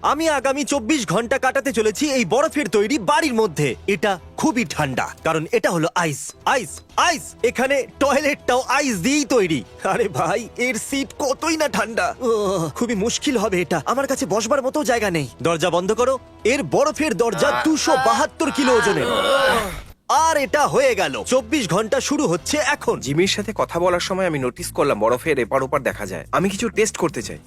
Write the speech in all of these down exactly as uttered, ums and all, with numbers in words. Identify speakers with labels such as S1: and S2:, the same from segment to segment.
S1: আমি আগামী চব্বিশ ঘন্টা কাটাতে চলেছি এই বরফের তৈরি বাড়ির মধ্যে। এটা খুবই ঠান্ডা কারণ এটা হলো আইস আইস আইস। এখানে টয়লেটটাও আইস দিয়েই তৈরি। আরে ভাই, এর সিট কতই না ঠান্ডা। উহ, খুবই মুশকিল হবে এটা। আমার কাছে বসবার মতো জায়গা নেই। দরজা বন্ধ করো। এর বরফের দরজা দুশো বাহাত্তর কিলো ওজনের। আর এটা হয়ে গেল। চব্বিশ ঘন্টা শুরু হচ্ছে এখন।
S2: জিমির সাথে কথা বলার সময় আমি নোটিস করলাম বরফের এপার ওপার দেখা যায়। আমি কিছু টেস্ট করতে চাই।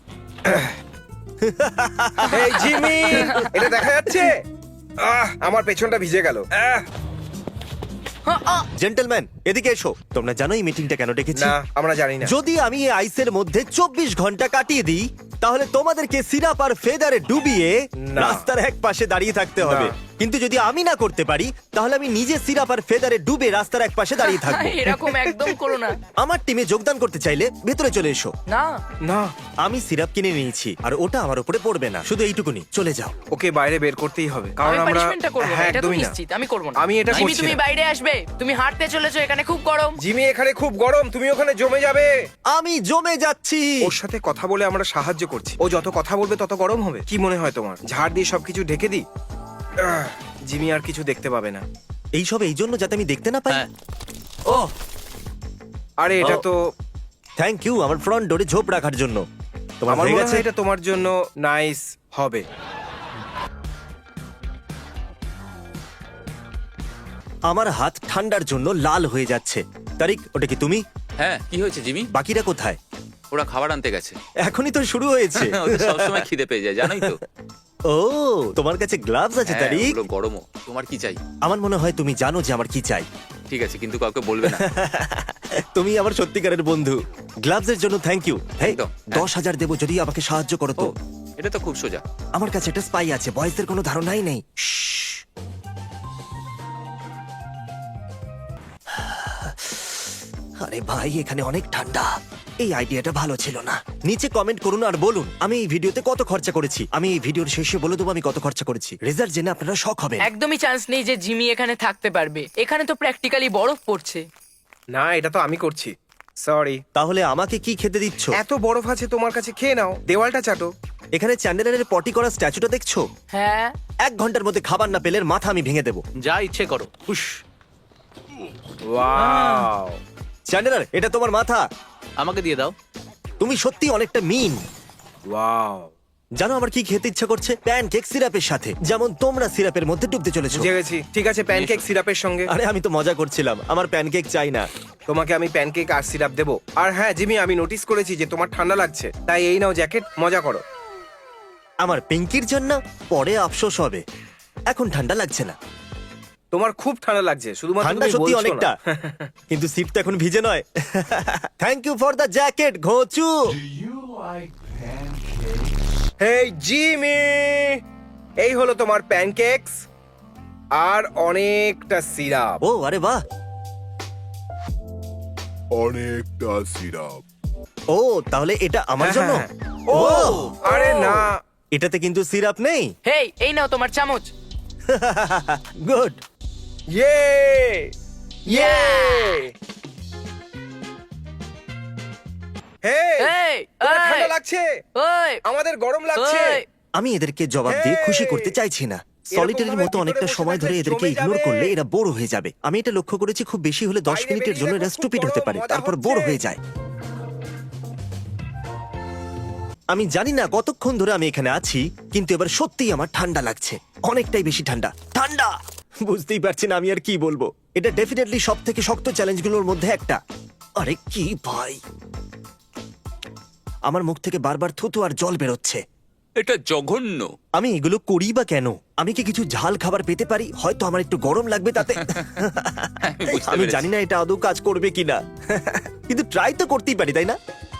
S2: এই জিমি, এটা দেখা যাচ্ছে? আহ, আমার পেছনটা ভিজে গেল। আহ,
S1: জেন্টলম্যান, এদিকে এসো। তোমরা জানো এই মিটিংটা কেন ডেকেছি?
S2: না, আমরা জানি না।
S1: যদি আমি এই আইসের মধ্যে চব্বিশ ঘন্টা কাটিয়ে দিই, তাহলে তোমাদেরকে সিরাপ আর ফেদারে ডুবিয়ে
S2: না।
S1: রাস্তার এক পাশে দাঁড়িয়ে থাকতে হবে।
S2: না।
S1: কিন্তু যদি আমি না করতে পারি, তাহলে আমি নিজে সিরাপ আর ফেদারে ডুবে রাস্তার এক পাশে দাঁড়িয়ে থাকবো।
S3: এরকম একদম করো না।
S1: আমার টিমে যোগদান করতে চাইলে ভেতরে চলে এসো।
S3: না,
S2: না,
S1: আমি সিরাপ কিনে নিয়েছি আর ওটা আমার উপরে পড়বে না। শুধু এইটুকুনি, চলে যাও।
S2: ওকে বাইরে বের করতেই হবে কারণ
S3: আমি
S2: আমরা
S3: পানিশমেন্টটা করব না,
S2: হ্যাঁ,
S3: এটা তো
S2: একদমই না।
S3: নিশ্চিত আমি করব না।
S2: আমি এটা
S3: জিমি,
S2: করছি
S3: তুমি
S2: না।
S3: বাইরে আসবে। তুমি হাঁটতে চলেছো, এখানে খুব গরম।
S2: জিমি, এখানে খুব গরম, তুমি ওখানে জমে যাবে।
S1: আমি জমে যাচ্ছি।
S2: ওর সাথে কথা বলে আমরা সাহায্য করছি। ও যত কথা বলবে তত গরম হবে। কি মনে হয় তোমার? ঝাড় দিয়ে সবকিছু ঢেকে দিই? আহ, জিমি আর কিছু দেখতে পাবে না।
S1: এইসব এই জন্য যাতে আমি দেখতে না পাই।
S4: হ্যাঁ।
S1: ও,
S2: আরে এটা
S1: ও।
S2: তো
S1: থ্যাংক ইউ আমার ফ্রন্ট ডোরে ঝোপ রাখার জন্য। তোমার
S2: আমার
S1: হয়ে
S2: মনে
S1: গেছে?
S2: হয় এটা তোমার জন্য নাইস হবে।
S1: আমার হাত ঠান্ডার জন্য লাল হয়ে যাচ্ছে। তারিক, ওটা কি তুমি?
S4: হ্যাঁ, কি হয়েছে জিমি?
S1: বাকিরা কোথায়?
S4: ওরা খাবার আনতে গেছে।
S1: এখনই তো শুরু হয়েছে।
S4: ওদের সবসময় খিদে পেয়ে যায়, জানোই তো।
S1: ও, তোমার কাছে গ্লাভস আছে
S4: হ্যাঁ,
S1: তারিক?
S4: ওগুলো গরমও। তোমার কি চাই?
S1: আমার মনে হয় তুমি জানো যে আমার কি চাই।
S4: ঠিক আছে, কিন্তু কাউকে বলবে না।
S1: তুমি আমার সত্যিকারের বন্ধু। গ্লাভস এর জন্য থ্যাংক ইউ। হ্যাঁ,
S4: একদম।
S1: দশ হাজার দেবো যদি আমাকে সাহায্য করো
S4: ও,
S1: তো।
S4: এটা তো খুব সোজা।
S1: আমার কাছে একটা স্পাই আছে, বয়েজদের কোনো ধারণাই নেই। শ্শ্। আরে ভাই, এখানে অনেক ঠান্ডা। এই আইডিয়াটা ভালো ছিল না। নিচে কমেন্ট করুন আর বলুন আমি এই ভিডিওতে কত খরচা করেছি। আমি এই ভিডিওর শেষে বলে দেবো আমি কত খরচা করেছি। রেজাল্ট জেনে আপনারা শক হবেন।
S3: একদমই চান্স নেই যে জিমি এখানে থাকতে পারবে। এখানে তো প্র্যাকটিক্যালি বরফ পড়ছে।
S2: না, এটা তো আমি করছি। সরি।
S1: তাহলে আমাকে কি খেতে দিচ্ছ?
S2: এত বরফ আছে তোমার কাছে, খেয়ে নাও। দেওয়ালটা চাটো।
S1: এখানে চ্যান্ডেলারের পটি করা স্ট্যাচুটা দেখছো?
S3: হ্যাঁ,
S1: এক ঘন্টার মধ্যে খাবার না পেলে এর মাথা আমি ভেঙে দেবো।
S4: যা ইচ্ছে করো। হুশ।
S2: ওয়াও,
S1: চ্যান্ডেলার, এটা তোমার মাথা।
S4: আমাকে দিয়ে দাও।
S1: তুমি সত্যি অনেকটা মিন।
S2: ওয়াও।
S1: জানো আমার কি খেতে ইচ্ছা করছে? প্যানকেক সিরাপের সাথে, যেমন তোমরা সিরাপের মধ্যে ডুবতে চলেছো।
S2: বুঝে গেছি। ঠিক আছে, প্যানকেক সিরাপের সঙ্গে।
S1: আরে আমি তো মজা করছিলাম। আমার প্যানকেক চাই না।
S2: তোমাকে আমি প্যানকেক আর সিরাপ দেবো। আর হ্যাঁ জিমি, আমি নোটিস করেছি যে তোমার ঠান্ডা লাগছে, তাই এই নাও জ্যাকেট, মজা করো।
S1: আমার পিঙ্কির জন্য পরে আফসোস হবে। এখন ঠান্ডা লাগছে না।
S2: তোমার খুব ঠান্ডা লাগছে, শুধুমাত্র
S1: ঠান্ডা
S2: তুমি
S1: সত্যি
S2: বলছো
S1: অনেকটা,
S2: না।
S1: কিন্তু সিট তো এখন ভিজে নয়। Thank you for the jacket, ঘোচু।
S2: হেই জিমি, এই হলো তোমার প্যানকেকস আর অনেকটা সিরাপ।
S1: ও, আরে বাহ।
S5: অনেকটা সিরাপ।
S1: ও, তাহলে এটা আমার জন্য।
S2: হ্যাঁ, হ্যাঁ। ও আরে না,
S1: এটাতে কিন্তু সিরাপ নেই।
S3: হেই, এই নাও তোমার চামচ।
S1: গুড।
S2: ইয়ে ইয়ে। হেই,
S3: এই,
S2: তোমার
S3: এই।
S2: ঠান্ডা লাগছে,
S3: ওই,
S2: আমাদের গরম লাগছে।
S3: ওই।
S1: আমি এদেরকে জবাব দিয়ে
S2: Hey!
S1: খুশি করতে চাইছি না। সলিটারির
S2: ভাবে
S1: মতো
S2: ভিতরে
S1: অনেকটা
S2: বসে
S1: সময় ধরে
S2: থাকলে
S1: এদেরকে
S2: জমে
S1: ইগনোর
S2: যাবে।
S1: করলে এরা বোর হয়ে যাবে। আমি এটা লক্ষ্য করেছি, খুব বেশি হলে দশ
S2: বাইরে
S1: মিনিটের
S2: বেরিয়ে
S1: জন্য
S2: দেখো,
S1: এরা
S2: খুব
S1: স্টুপিড
S2: গরম,
S1: হতে পারে,
S2: মজা
S1: তারপর
S2: হচ্ছে।
S1: বোর হয়ে যায়। আমি জানি না কতক্ষণ ধরে আমি এখানে আছি, কিন্তু এবার সত্যিই আমার ঠান্ডা লাগছে। অনেকটাই বেশি ঠান্ডা। ঠান্ডা! বুঝতেই পারছি না আমি আর কি বলবো। এটা ডেফিনেটলি সব থেকে শক্ত চ্যালেঞ্জগুলোর মধ্যে একটা। আরে কি ভাই, আমার মুখ থেকে বারবার থুতু আর জল বেরোচ্ছে।
S4: এটা জঘন্য।
S1: আমি এগুলো করি বা কেন? আমি কি কিছু ঝাল খাবার পেতে পারি? হয়তো আমার একটু গরম লাগবে তাতে।
S4: বুঝতে
S1: আমি
S4: পেরেছি।
S1: জানি না এটা আদৌ কাজ করবে কিনা, কিন্তু ট্রাই তো করতেই পারি, তাই না?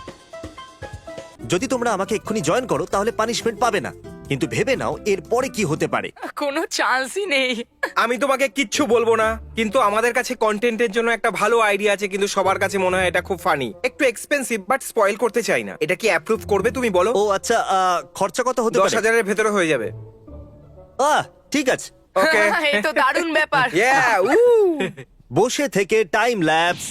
S1: যদি তোমরা আমাকে এক্ষুনি জয়েন করো তাহলে পানিশমেন্ট পাবে না, কিন্তু ভেবে নাও এর পরে কি হতে পারে।
S3: কোনো চান্সই নেই।
S2: আমি তোমাকে কিচ্ছু বলবো না, কিন্তু আমাদের কাছে কন্টেন্টের জন্য একটা ভালো আইডিয়া আছে, কিন্তু সবার কাছে মনে হয় এটা খুব ফানি। একটু এক্সপেন্সিভ, বাট স্পয়েল করতে চাই না। এটা কি অ্যাপ্রুভ করবে তুমি বলো?
S1: ও আচ্ছা, আহ, খরচা কত হতে
S2: দশ
S1: পারে?
S2: হাজারের ভেতরে হয়ে যাবে।
S1: আহ, ঠিক আছে।
S2: ওকে।
S3: এই তো দারুণ ব্যাপার।
S2: ইয়া, উ।
S1: বসে থেকে টাইম ল্যাপস।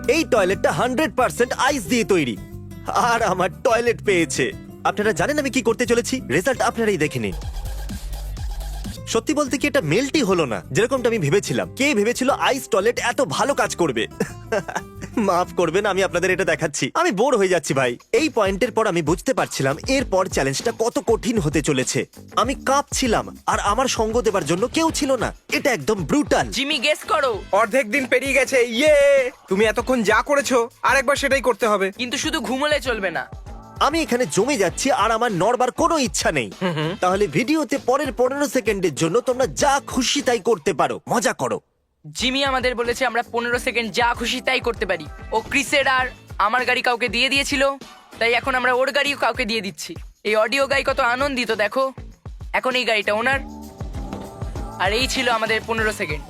S1: এই টয়লেটটা হান্ড্রেড পার্সেন্ট আইস দিয়ে তৈরি আর আমার টয়লেট পেয়েছে। আপনারা জানেন আমি কি করতে চলেছি? রেজাল্ট আপনারাই দেখে নিন। সত্যি বলতে কি এটা মেল্টই হলো না যেরকমটা আমি ভেবেছিলাম। কে ভেবেছিল আইস টয়লেট এত ভালো কাজ করবে? মাফ করবেন, আমি আপনাদের এটা দেখাচ্ছি। আমি বোর হয়ে যাচ্ছি ভাই। এই পয়েন্টের পর আমি বুঝতে পারছিলাম এরপর চ্যালেঞ্জটা কত কঠিন হতে চলেছে। আমি কাঁপছিলাম আর আমার সঙ্গ দেবার জন্য কেউ ছিল না। এটা একদম ব্রুটাল।
S3: জিমি গেস করো।
S2: অর্ধেক দিন পেরিয়ে গেছে, ইয়ে! তুমি এতক্ষণ যা করেছো আরেকবার সেটাই করতে হবে।
S3: কিন্তু শুধু ঘুমোলে চলবে না।
S1: আমি এখানে জমে যাচ্ছি আর আমার নড়বার কোনো ইচ্ছা নেই। তাহলে ভিডিওতে পরের পনেরো সেকেন্ডের জন্য তোমরা যা খুশি তাই করতে পারো, মজা করো।
S3: জিমি আমাদের বলেছে আমরা পনেরো সেকেন্ড যা খুশি তাই করতে পারি। ও ক্রিসের আর আমার গাড়ি কাউকে দিয়ে দিয়েছিল, তাই এখন আমরা ওর গাড়িও কাউকে দিয়ে দিচ্ছি। এই অডিও গাই কত আনন্দিত দেখো। এখন এই গাড়িটা ওনার, আর এই ছিল আমাদের পনেরো সেকেন্ড।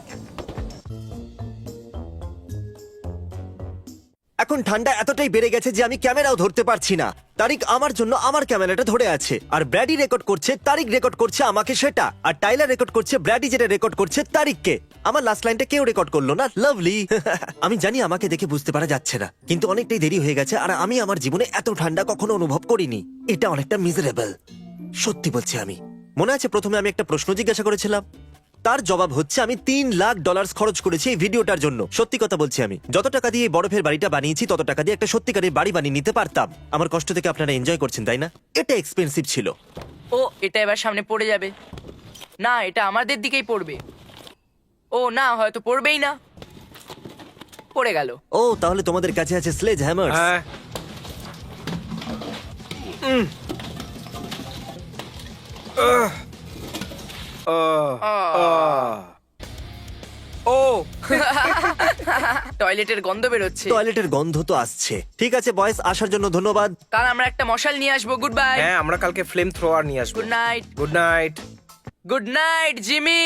S1: এখন ঠান্ডা এতটাই বেড়ে গেছে যে আমি ক্যামেরাও ধরতে পারছি না। তারিক আমার জন্য আমার ক্যামেরাটা ধরে আছে, আর ব্র্যাডি রেকর্ড করছে, তারিক রেকর্ড করছে আমাকে সেটা, আর টাইলার রেকর্ড করছে ব্র্যাডি যেটা রেকর্ড করছে তারিককে। আমার লাস্ট লাইনটা কেউ রেকর্ড করলো না। লাভলি। আমি জানি আমাকে দেখে বুঝতে পারা যাচ্ছে না, কিন্তু অনেকটাই দেরি হয়ে গেছে আর আমি আমার জীবনে এত ঠান্ডা কখনো অনুভব করিনি। এটা অনেকটা মিজারেবল, সত্যি বলছি। আমি মনে আছে প্রথমে আমি একটা প্রশ্ন জিজ্ঞাসা করেছিলাম, তার জবাব হচ্ছে আমি তিন লাখ ডলার খরচ করেছি এই ভিডিওটার জন্য। সত্যি কথা বলছি, আমি যত টাকা দিয়ে এই বরফের বাড়িটা বানিয়েছি তত টাকা দিয়ে একটা সত্যিকারের বাড়ি বানিয়ে নিতে পারতাম। আমার কষ্ট থেকে আপনারা এনজয় করছেন তাই না? এটা এক্সপেন্সিভ ছিল।
S3: ও এটা এবার সামনে পড়ে যাবে না, এটা আমাদের দিকেই পড়বে। ও না, হয়তো পড়বেই না, পড়ে গেল।
S1: ও তাহলে তোমাদের কাছে আছে স্লেজ হ্যামার।
S2: হ্যাঁ। উম। আহ। আহ। আহ। ও
S3: টয়লেটের গন্ধ বেরোচ্ছে।
S1: টয়লেটের গন্ধ তো আসছে। ঠিক আছে বয়স, আসার জন্য ধন্যবাদ।
S3: কাল আমরা একটা মশাল নিয়ে আসবো। Good bye.
S2: হ্যাঁ, আমরা কালকে ফ্লেম থ্রোয়ার নিয়ে আসবো।
S3: Good night.
S2: Good night.
S3: Good night Jimmy.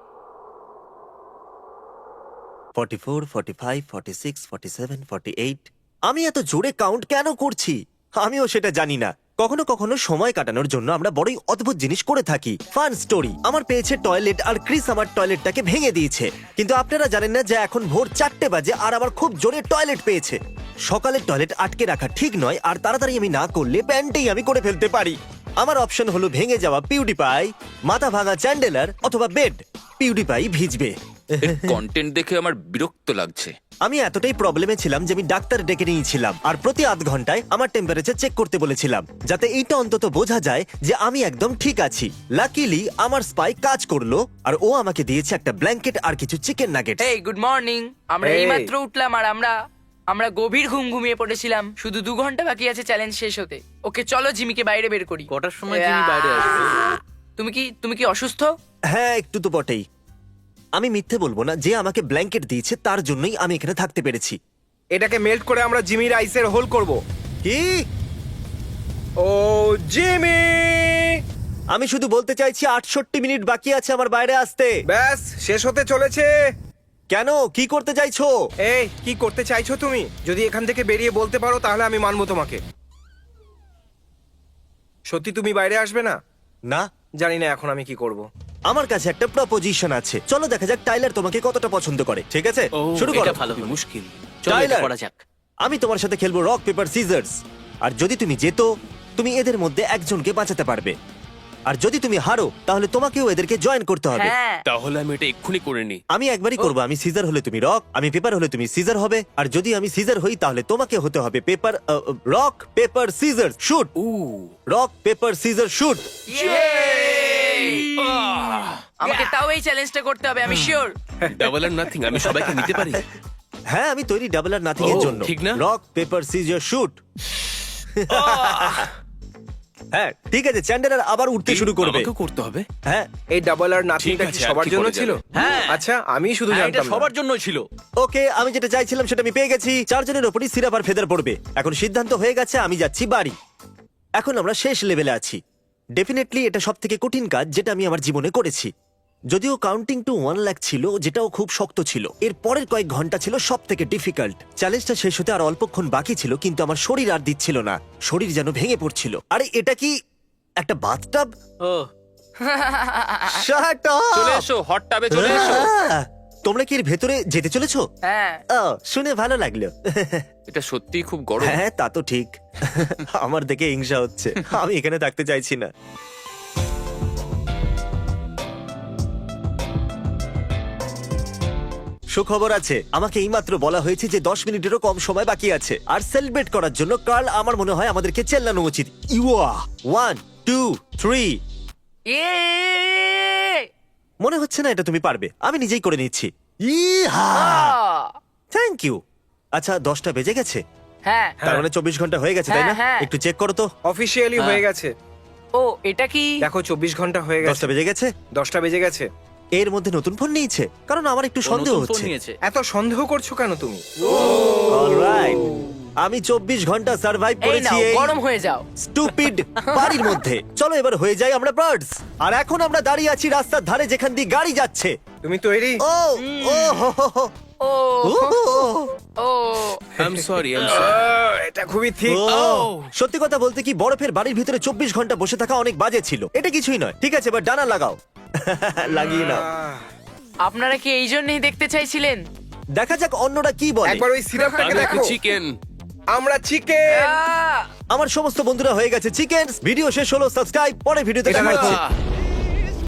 S1: Forty four, forty five, forty six, forty seven, forty eight. আমি এত জোরে কাউন্ট কেন করছি আমিও সেটা জানি না। কখনো কখনো সময় কাটানোর জন্য আমরা বড়ই অদ্ভুত জিনিস করে থাকি। ফান স্টোরি আমার পেয়েছে টয়লেট, আর ক্রিস আমার টয়লেটটাকে ভেঙে দিয়েছে। কিন্তু আপনারা জানেন না যে এখন ভোর চারটে বাজে আর আমার খুব জোরে টয়লেট পেয়েছে। সকালের টয়লেট আটকে রাখা ঠিক নয়, আর তাড়াতাড়ি আমি না করলে প্যান্টেই আমি করে ফেলতে পারি। আমার অপশন হলো ভেঙে যাওয়া পিউডিপাই, মাথা ভাঙা চ্যান্ডেলার অথবা বেড। পিউডিপাই ভিজবে।
S4: কন্টেন্ট দেখে আমার বিরক্ত লাগছে।
S1: আমি এতটাই প্রবলেমে ছিলাম যে আমি ডাক্তার ডেকে নিয়েছিলাম, আর প্রতি আধ ঘন্টায় আমার টেম্পারেচার চেক করতে বলেছিলাম, যাতে এইটা অন্তত বোঝা যায় যে আমি একদম ঠিক আছি। লাকিলি আমার স্পাই কাজ করলো, আর ও আমাকে দিয়েছে একটা ব্ল্যাঙ্কেট আর কিছু চিকেন নাগেট।
S3: এই গুড মর্নিং। আমরা
S2: Hey.
S3: এইমাত্র উঠলাম আর আমরা আমরা গভীর ঘুম ঘুমিয়ে পড়েছিলাম। শুধু দু ঘন্টা বাকি আছে চ্যালেঞ্জ শেষ হতে। ওকে চলো জিমিকে বাইরে বের করি।
S4: কটার সময় জিমি বাইরে আসবে?
S3: তুমি কি তুমি কি অসুস্থ?
S1: হ্যাঁ একটু তো বটেই। আমি মিথ্যে বলবো না, যে আমাকে ব্ল্যাঙ্কেট দিয়েছে তার জন্যই আমি এখানে থাকতে পেরেছি।
S2: এটাকে মেল্ট করে আমরা জিমির আইসের হোল করব।
S1: কি?
S2: ও জিমি!
S1: আমি শুধু বলতে চাইছি আটষট্টি মিনিট বাকি আছে আমার বাইরে আসতে।
S2: ব্যাস শেষ হতে চলেছে।
S1: কেন, কি করতে চাইছো?
S2: এই কি করতে চাইছো তুমি? যদি এখান থেকে বেরিয়ে বলতে পারো তাহলে আমি মানবো তোমাকে। সত্যি তুমি বাইরে আসবে না?
S1: না,
S2: জানি না এখন আমি কি করব।
S1: আমার কাছে একটা প্রপোজিশন আছে। চলো দেখা যাক টাইলার তোমাকে কতটা পছন্দ করে। ঠিক আছে, শুরু করো।
S4: এটা ভালো হবে। মুশকিল। চলো এটা
S1: টাইলার,
S4: করা যাক।
S1: আমি তোমার সাথে খেলবো রক পেপার সিজার্স, আর যদি তুমি জেতো তুমি এদের মধ্যে একজনকে বাঁচাতে পারবে, আর যদি তুমি হারো তাহলে তোমাকেও এদেরকে জয়েন করতে হবে।
S3: হ্যাঁ।
S6: তাহলে আমি এটা এক্ষুনি করে নিই।
S1: আমি একবারই করবো। আমি সিজার হলে তুমি রক, আমি পেপার হলে তুমি সিজার হবে, আর যদি আমি সিজার হই তাহলে তোমাকে হতে হবে paper. Rock paper scissor shoot.
S6: উ
S1: রক পেপার সিজার শুট।
S3: আমাকে তাও এই চ্যালেঞ্জটা করতে হবে, আমি শিওর।
S6: ডাবল আর নাথিং, আমি সবাইকে নিতে পারি।
S1: হ্যাঁ আমি তৈরি ডাবল আর নাথিং এর
S6: ও,
S1: জন্য।
S6: ঠিক না?
S1: Rock paper scissor shoot. হ্যাঁ ঠিক আছে, চ্যান্ডেলার আবার উঠতে শুরু করবে।
S6: আমাকেও করতে হবে।
S1: হ্যাঁ
S2: এই ডাবল আর নাথিংটা
S6: ঠিক
S2: কি
S6: আছে, আর
S2: সবার
S6: কি
S2: জন্য
S6: করা
S2: ছিল?
S6: যাবে?
S4: হ্যাঁ।
S2: আচ্ছা, আমি শুধু
S4: হ্যাঁ, এটা
S2: জানতাম না।
S4: সবার জন্য ছিল।
S1: ওকে, আমি যেটা চাইছিলাম সেটা আমি পেয়ে গেছি। চারজনের ওপরই সিরাপ আর ফেদার পড়বে। এখন সিদ্ধান্ত হয়ে গেছে, আমি যাচ্ছি বাড়ি। এখন আমরা শেষ লেভেলে আছি। ডেফিনেটলি এটা সব থেকে কঠিন কাজ যেটা আমি আমার জীবনে করেছি। যদিও কাউন্টিং টু ওয়ান লাখ ছিল, যেটাও খুব শক্ত ছিল। এর পরের কয়েক ঘন্টা ছিল সব থেকে ডিফিকাল্ট। চ্যালেঞ্জটা শেষ হতে আর অল্পক্ষণ বাকি ছিল, কিন্তু আমার শরীর আর দিচ্ছিল না। শরীর যেন ভেঙে পড়ছিল। আরে এটা কি একটা বাথটাব?
S4: ও
S1: শাট আপ!
S4: চলে এসো, হট টাবে চলে এসো।
S1: তোমরা কি এর ভেতরে যেতে চলেছো?
S3: হ্যাঁ
S1: ও, শুনে ভালো লাগলো।
S4: এটা সত্যিই খুব গরম।
S1: হ্যাঁ তা তো ঠিক। আমার দেখে হিংসা হচ্ছে, আমি এখানে থাকতে চাইছি না। সুখবর আছে, আমাকে এইমাত্র বলা হয়েছে যে দশ মিনিটেরও কম সময় বাকি আছে, আর সেলিব্রেট করার জন্য কার্ল আমার মনে হয় আমাদেরকে চেল্লানো উচিত। ইউয়া ওয়ান টু থ্রি।
S3: এ
S1: মনে হচ্ছে না এটা তুমি পারবে, আমি নিজেই করে নিচ্ছি। ইহা থ্যাংক ইউ। আচ্ছা দশটা বেজে গেছে,
S3: হ্যাঁ
S1: তার মানে চব্বিশ ঘন্টা হয়ে গেছে তাই না?
S3: হ্যাঁ, হ্যাঁ।
S1: একটু চেক করো তো।
S2: অফিসিয়ালি হয়ে গেছে।
S3: ও এটা কি?
S2: দেখো চব্বিশ ঘন্টা হয়ে গেছে।
S1: দশটা বেজে গেছে,
S2: দশটা বেজে গেছে।
S1: এর মধ্যে নতুন ফোন নিয়েছে, কারণ আমার একটু
S4: ও
S1: সন্দেহ
S4: নতুন ফোন
S1: হচ্ছে।
S4: নিয়েছে।
S2: এত সন্দেহ করছো কেন তুমি?
S1: অলরাইট, আমি চব্বিশ ঘন্টা সার্ভাইভ
S3: এই
S1: করেছি
S3: নাও
S1: এই
S3: গরম হয়ে যাও।
S1: স্টুপিড বাড়ির মধ্যে। চলো এবার হয়ে যাই আমরা বার্ডস। আর এখন আমরা দাঁড়িয়ে আছি রাস্তার ধারে যেখান দিয়ে গাড়ি যাচ্ছে।
S2: তুমি তৈরি?
S1: ও ও হো হো হো।
S3: ও
S1: ও, ও,
S3: ও
S6: I am sorry I am sorry
S2: ah, এটা খুবই ঠিক।
S1: ও। সত্যি কথা বলতে কি, বরফের বাড়ির ভিতরে চব্বিশ ঘন্টা বসে থাকা অনেক বাজে ছিল। এটা কিছুই নয়, ঠিক আছে, এবার ডানা লাগাও। লাগিয়ে নাও।
S2: আহ,
S3: আপনারা কি এই জন্যই দেখতে চাইছিলেন?
S1: দেখা যাক অন্যরা কি বলে।
S2: একবার ওই সিরাপটাকে
S6: আমি
S2: দেখো।
S6: চিকেন।
S2: আমরা চিকেন।
S3: আহ!
S1: আমার সমস্ত বন্ধুরা হয়ে গেছে চিকেন। ভিডিও শেষ হলো, সাবস্ক্রাইব, পরে ভিডিওতে
S2: এটা
S1: দেখা হচ্ছে।
S2: রাখো।